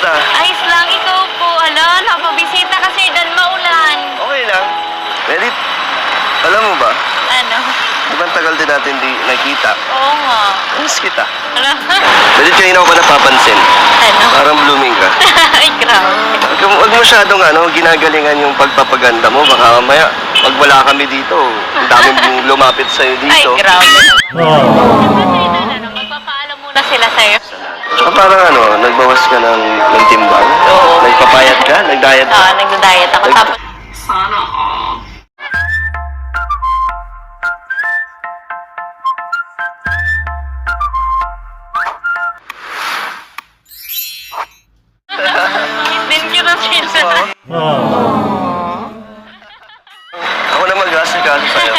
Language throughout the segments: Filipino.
Kamusta? Ayos lang, ikaw po. Ala, napabisita ka, Sir Dan, maulan. Okay lang. Medit, alam mo ba? Ano? Di ba ang tagal din natin di nakita? Oo nga. Miss kita. Ala. Medit, kanina ko pa napapansin. Ano? Parang blooming ka. Ay, grabe. Huwag masyadong ginagalingan yung pagpapaganda mo. Baka mamaya, pag wala kami dito, ang daming lumapit sa'yo Ay, dito. grabe. Diba, Sir Dan, ano, magpapaalam muna sila sa'yo. Tsaka parang nagbawas ka ng timbang? Oo. Nagpapayat ka? Nag-diet ka? Nagda-diet ako. Tapos, din kita sila. Ako na mag-asikaso sa'yo.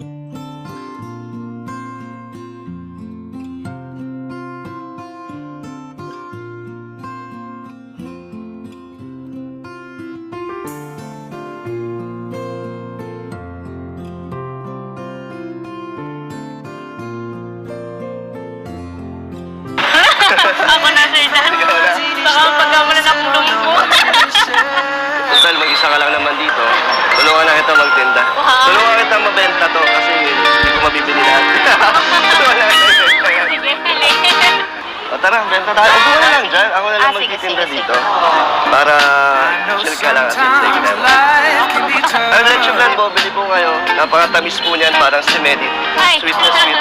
Ako na, Sir Dan. Baka pagkamulan akong lumpo. Total, mag-isa ka lang naman dito. Tulungan na kita magtinda. Wow. Tulungan kita mabenta to kasi hindi ko mabibili lahat. Tulungan na kita ibenta. Sige, sige. O tara, benta tayo. Upo ka na lang dyan. Ako na lang Sige, magtitinda sige, dito. sige. Para chill ka lang at take it out. Ang leche plan po, bili po kayo. Napakatamis po niyan, parang si Medit. Ay. Sweet na sweet.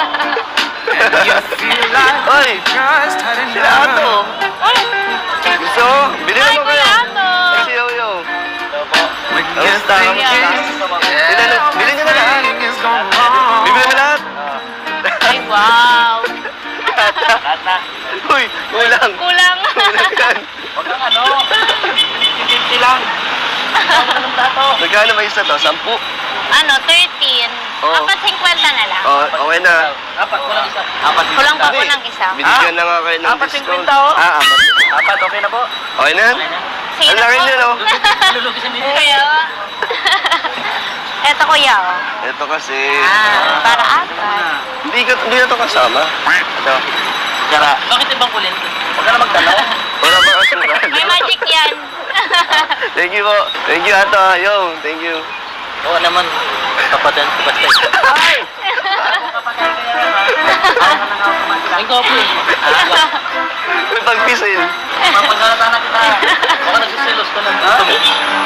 Oy! Sila Ato! Gusto? Bili Ay, naman kayo. Kuya Ato. Ay, si Yoyo. Kamusta? Bili niyo na lahat. Bibili mo lahat. Ay, wow. Uy, kulang. Kulang. Kulang yan. Huwag kang 50 lang. Magkano ba isa to? 10? Ano, 13. Oo. Apat 50 na lang. Oh, okay na. Apat, kulang isa. Apat, Kulang pa po Hindi. ng isa. Binigyan na nga kayo ng Apat, discount. 50, oh. Apat. Apat, okay na po. Okay na? Okay na. Sino Ang laki po? niya, no? Lulugisan din. Kaya, eto kuya, oh. Ito kasi, Para apat. hindi na to kasama. Ito. Tara. Bakit ibang kulin? Huwag ka na magtanaw. Wala pa kasama. May magic yan. Thank you po. Thank you, Ato. Yo, thank you. Oo naman. Kapatan ko basta. Ay! Ay, ko po. May pagpisil. Mapagsalata na kita. Baka nagsisilos ka lang. Gusto mo?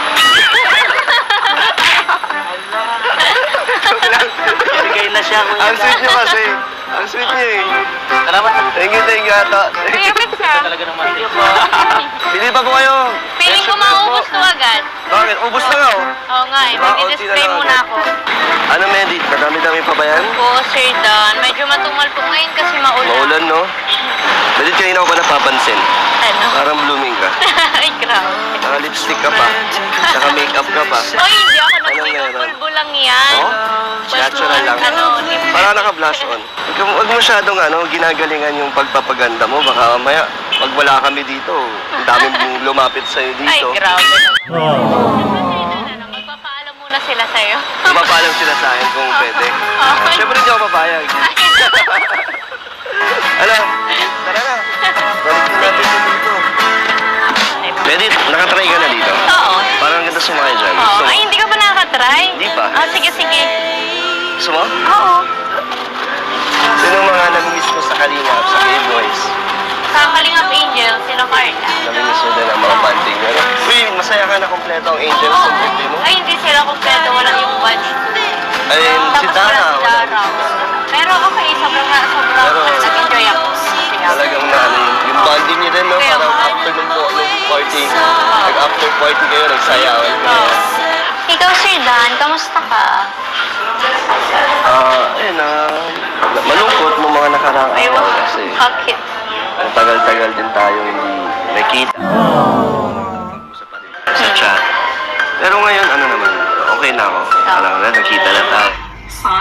Bigay na siya. Kuya. Ang sweet niyo kasi. Ang sweet niyo eh. Salamat. Thank you, Ato. Kuya, pizza. Talaga naman. Thank you po. Bili pa po kayo. Feeling ko maubos to agad. Bakit? Ubus na nga oh. Oo nga eh, mag-display muna ako. Ano, Medi? Madami-dami pa ba yan? Po, Sir Dan. Medyo matumal po ngayon kasi maulan. Maulan, no? Medi, kanina ko pa napapansin. Ano? Parang blooming ka. Ay, grabe. Naka-lipstick ka pa. Saka makeup ka pa. Oy, hindi ako Anong nag-makeup. meron? Pulbo lang yan. Oh? Natural lang. Ano, lip- Parang naka-blush on. Huwag masyadong ginagalingan yung pagpapaganda mo. Baka mamaya, pag wala kami dito, ang daming lumapit sa'yo Ay, dito. grabe. Ano, magpapaalam muna sila sa'yo. Mapapalam sila sa akin kung pwede. Okay. Siyempre hindi ako papayag. Ano? Tara na. Balik na natin dito. Medit, nakatry ka na dito? Oo. Parang ang ganda sumakay dyan. Oo. Gusto mo? Ay, hindi ka pa nakatry? Hindi pa. Sige, sige. Gusto mo? Oo. Sino mga nami-miss mo sa Kalingap, sa K-Boys? Sa Kalingap Angel, sila Carla. Nami-miss mo din ang mga banding nyo. Uy, masaya ka na kompleto ang Angels sa birthday mo? Ay, hindi sila kompleto. Walang yung batch. Ay, si Tapos Dara. wala si Dara. Pero okay, sobrang Pero- nag-enjoy ako. Kasi nga. Talagang yung bonding niyo din, no? Kaya Parang nga. after nung party, nag-after party kayo, nagsayawan kayo. Ikaw, Sir Dan, kamusta ka? Ayun malungkot mo mga nakaraang Ay, araw kasi bakit? ang tagal-tagal din tayo hindi nakita. Mag-usap pa rin sa chat. Pero ngayon, ano naman, okay na ako. Parang nakita na tayo.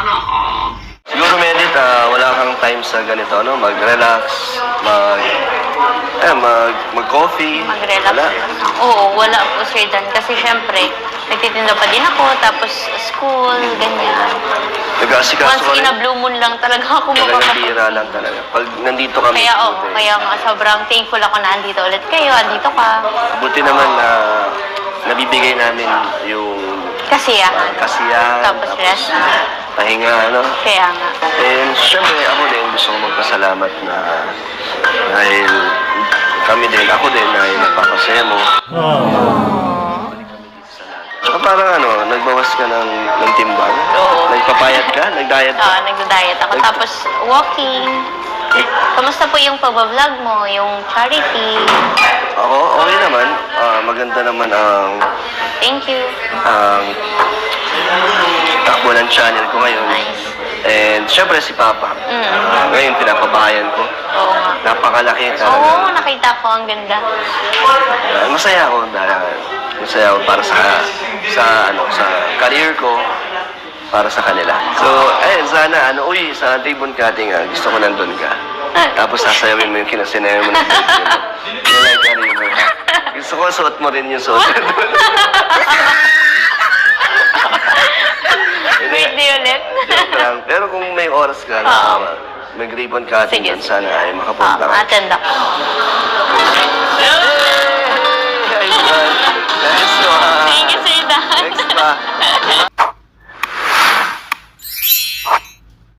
Siguro, Medit, wala kang time sa ganito, no? Mag-relax, mag-coffee. Mag-relax. Wala. Oo, wala po Sir Dan. Kasi syempre, nagtitinda pa din ako, tapos school, ganyan. Nag-aasikaso Once ka in rin. a blue moon lang talaga ako Talagang makakapag. bira lang talaga. Pag nandito kami, Kaya buti. kaya nga sobrang thankful ako na andito ulit kayo, andito ka. Buti naman na nabibigay namin yung Kasiyahan. kasiyahan, Tapos rest. pahinga, ano. Kaya nga. And syempre, ako din gusto ko magpasalamat na dahil kami din, ako din, dahil nagpapasaya mo. Tsaka parang nagbawas ka ng timbang. Oo. Nagpapayat ka, nag-diet ka. Oo, nagda-diet ako. Tapos walking. Kamusta po yung pag-vlog mo, yung charity? Ako, okay naman. Maganda naman Thank you. ang takbo ng channel ko ngayon. Nice. And syempre si Papa. Ngayon pinapabayan ko. Oo nga. Napakalaki talaga. Oo, nakita ko. Ang ganda. Masaya ako dahil masaya ako para sa career ko, para sa kanila. So, sana sa ribbon cutting gusto ko nandun ka. Tapos sasayawin mo yung kinasinayaw mo ng video mo. You like a ribbon. Gusto ko suot mo rin yung suot. Birthday ulit. Joke lang. Pero kung may oras ka Oo. na mag-ribbon cutting Sige, dun, sana ay makapunta ka. Attend ako. Ay,